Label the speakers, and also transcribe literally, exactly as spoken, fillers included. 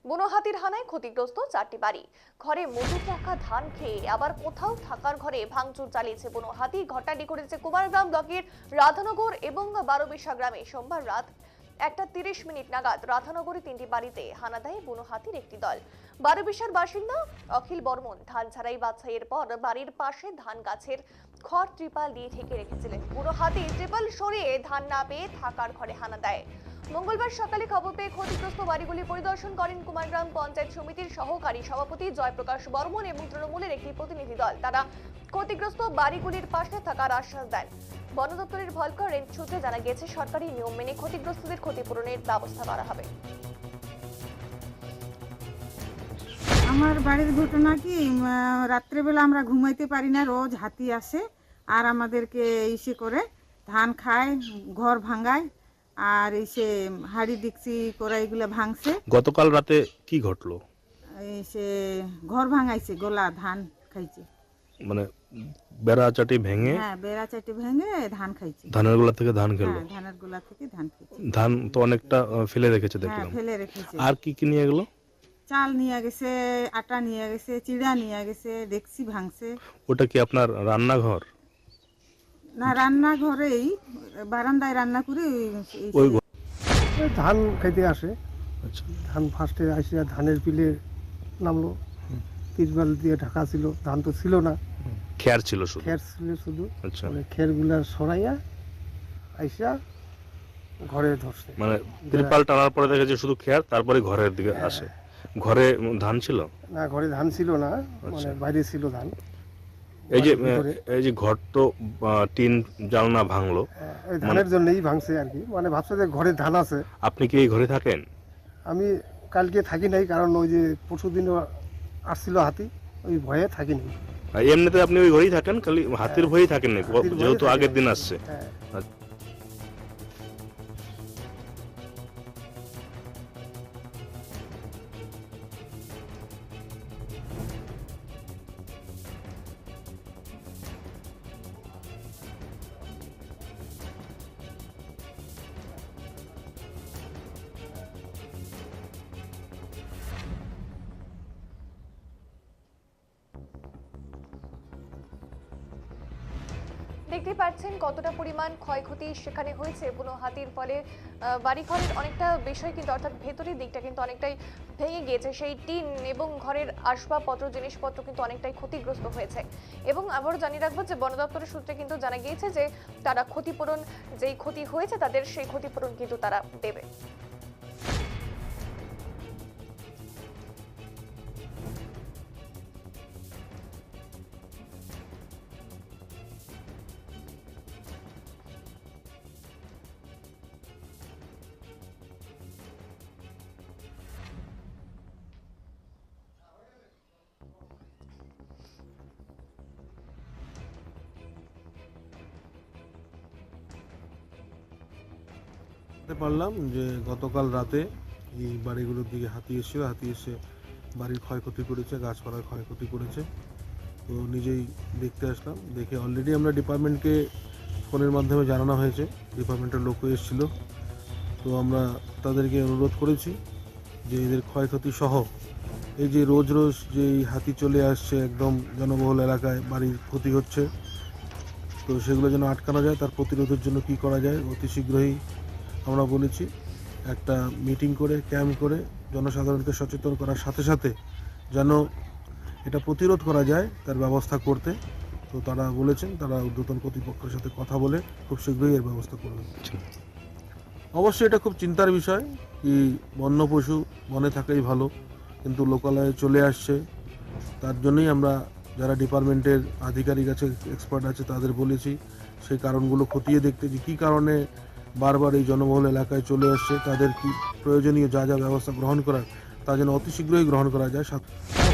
Speaker 1: বুনো হাতির হানায় ক্ষতিগ্রস্ত চারটি বাড়ি। ঘরে মজুত রাখা ধান খেয়ে আবার কোথাও থাকার ঘরে ভাঙচুর চালিয়েছে বুনো হাতি। ঘটনাটি ঘটেছে কুমারগ্রাম ব্লকের রাধানগর এবং বারোবিশা গ্রামে সোমবার রাত একটা তিরিশ মিনিট নাগাদ। রাধানগরে তিনটি বাড়িতে হানা দেয় বুনো হাতির একটি দল। বারোবিশার বাসিন্দা অখিল বর্মন ধান ছাড়াই বাছাইয়ের পর বাড়ির পাশে ধান গাছের খড় ত্রিপাল দিয়ে ঢেকে রেখেছিলেন। বুনো হাতি ত্রিপাল সরিয়ে ধান না পেয়ে থাকার ঘরে হানা দেয়। মঙ্গলবার সকালে খবর পেয়ে ক্ষতিগ্রস্ত বাড়িগুলি পরিদর্শন করেন কুমারগ্রাম পঞ্চায়েত সমিতির সহকারী সভাপতি জয়প্রকাশ বর্মন এবং তৃণমূলের একটি প্রতিনিধি দল। তারা ক্ষতিগ্রস্ত বাড়িগুলির পাশে থাকার আশ্বাস দেন। বন দপ্তরের ভলকার রেঞ্জ সূত্রে জানা গেছে সরকারি নিয়ম মেনে ক্ষতিগ্রস্তদের ক্ষতিপূরণের ব্যবস্থা করা হবে।
Speaker 2: আমার বাড়ির ঘটনা কি, রাত্রেবেলা আমরা ঘুমাইতে পারি না, রোজ হাতি আসে আর আমাদেরকে ইসে করে ধান খায়, ঘর ভাঙায় আর এসে হাড়ি ডিক্সি করা এগুলো ভাঙছে।
Speaker 3: গতকাল রাতে কি ঘটলো?
Speaker 2: এসে ঘর ভাঙাইছে, গোলা ধান খাইছে,
Speaker 3: মানে বেড়া চাটি ভেঙে?
Speaker 2: হ্যাঁ, বেড়া চাটি ভেঙে ধান খাইছে।
Speaker 3: ধানের গোলা থেকে ধান খেলো?
Speaker 2: হ্যাঁ, ধানের গোলা থেকে ধান খাইছে।
Speaker 3: ধান তো অনেকটা ফেলে রেখেছে
Speaker 2: হ্যাঁ,
Speaker 3: দেখলাম।
Speaker 2: ফেলে রেখেছে।
Speaker 3: আর কি কি নিয়ে গেল?
Speaker 2: চাল নিয়ে গেছে, আটা নিয়ে গেছে, চিড়া নিয়ে গেছে, ডেক্সি ভাঙছে।
Speaker 3: ওটা কি আপনার রান্নাঘর?
Speaker 2: না, রান্নাঘরেই বারান্দায় রান্না করে
Speaker 3: ওই
Speaker 4: ধান খাইতে আসে।
Speaker 3: আচ্ছা,
Speaker 4: ধান ফার্স্টে আসিয়া ধানের পিলে নামলো, তিরপাল দিয়ে ঢাকা ছিল, ধান তো ছিল না,
Speaker 3: খেয়ার ছিল শুধু?
Speaker 4: খের ছিল শুধু।
Speaker 3: আচ্ছা,
Speaker 4: মানে খেরগুলা সরাইয়া আইসা ঘরে ধরছে।
Speaker 3: মানে ত্রিপাল টানার পরে দেখেছে শুধু খেয়ার, তারপরে ঘরের দিকে আসে। ঘরে ধান ছিল
Speaker 4: না, ঘরে ধান ছিল না, মানে বাইরে ছিল ধান।
Speaker 3: এই যে
Speaker 4: ভিতরে।
Speaker 3: এই যে ঘর তো টিন জানলা ভাঙলো,
Speaker 4: ওই ধানের জন্যই ভাঙছে আর কি। মানে ভাবছে যে ঘরে ধান আছে।
Speaker 3: আপনি কি এই ঘরে থাকেন?
Speaker 4: আমি কালকে থাকি নাই, কারণ ওই যে পরশু দিনও আসছিল হাতি, ওই ভয়ে থাকি নাই।
Speaker 3: আর এমনিতে আপনি ওই ঘরেই থাকেন, খালি হাতির ভয়েই থাকেন না,
Speaker 4: হাতির ভয়ে
Speaker 3: যেহেতু
Speaker 4: থাকি
Speaker 3: আগের
Speaker 4: না।
Speaker 3: দিন আসছে।
Speaker 4: হ্যাঁ।
Speaker 1: দেখতে পাচ্ছেন কতটা পরিমাণ ক্ষয়ক্ষতি সেখানে হয়েছে বুনো হাতির ফলে। বাড়িঘরের অনেকটা বিষয় কিন্তু, অর্থাৎ ভেতরের দিকটা কিন্তু অনেকটাই ভেঙে গিয়েছে। সেই টিন এবং ঘরের আসবাবপত্র, জিনিসপত্র কিন্তু অনেকটাই ক্ষতিগ্রস্ত হয়েছে। এবং আবারও জানিয়ে রাখবো যে বন দপ্তরের সূত্রে কিন্তু জানা গিয়েছে যে তারা ক্ষতিপূরণ, যেই ক্ষতি হয়েছে তাদের সেই ক্ষতিপূরণ কিন্তু তারা দেবে।
Speaker 5: জানতে পারলাম যে গতকাল রাতে এই বাড়িগুলোর দিকে হাতি এসেছিল, হাতি এসে বাড়ির ক্ষয়ক্ষতি করেছে, গাছপালার ক্ষয়ক্ষতি করেছে। তো নিজেই দেখতে আসলাম, দেখে অলরেডি আমরা ডিপার্টমেন্টকে ফোনের মাধ্যমে জানানো হয়েছে, ডিপার্টমেন্টের লোকও এসেছিল। তো আমরা তাদেরকে অনুরোধ করেছি যে এদের ক্ষয়ক্ষতি সহ এই যে রোজ রোজ যে হাতি চলে আসছে একদম জনবহুল এলাকায়, বাড়ির ক্ষতি হচ্ছে, তো সেগুলো যেন আটকানো যায়, তার প্রতিরোধের জন্য কি করা যায় অতি শীঘ্রই আমরা বলেছি একটা মিটিং করে, ক্যাম্প করে জনসাধারণকে সচেতন করার সাথে সাথে যেন এটা প্রতিরোধ করা যায় তার ব্যবস্থা করতে। তো তারা বলেছেন তারা ঊর্ধ্বতন কর্তৃপক্ষের সাথে কথা বলে খুব শীঘ্রই এর ব্যবস্থা করবেন। অবশ্যই এটা খুব চিন্তার বিষয়, কি বন্য পশু বনে থাকাই ভালো, কিন্তু লোকালয়ে চলে আসছে। তার জন্যই আমরা যারা ডিপার্টমেন্টের আধিকারিক আছে, এক্সপার্ট আছে, তাদের বলেছি সেই কারণগুলো খতিয়ে দেখতে, যে কী কারণে বারবার এই জনবহুল এলাকায় চলে আসছে, তাদের কি প্রয়োজনীয় যা যা ব্যবস্থা গ্রহণ করার তা যেন অতি শীঘ্রই গ্রহণ করা যায়।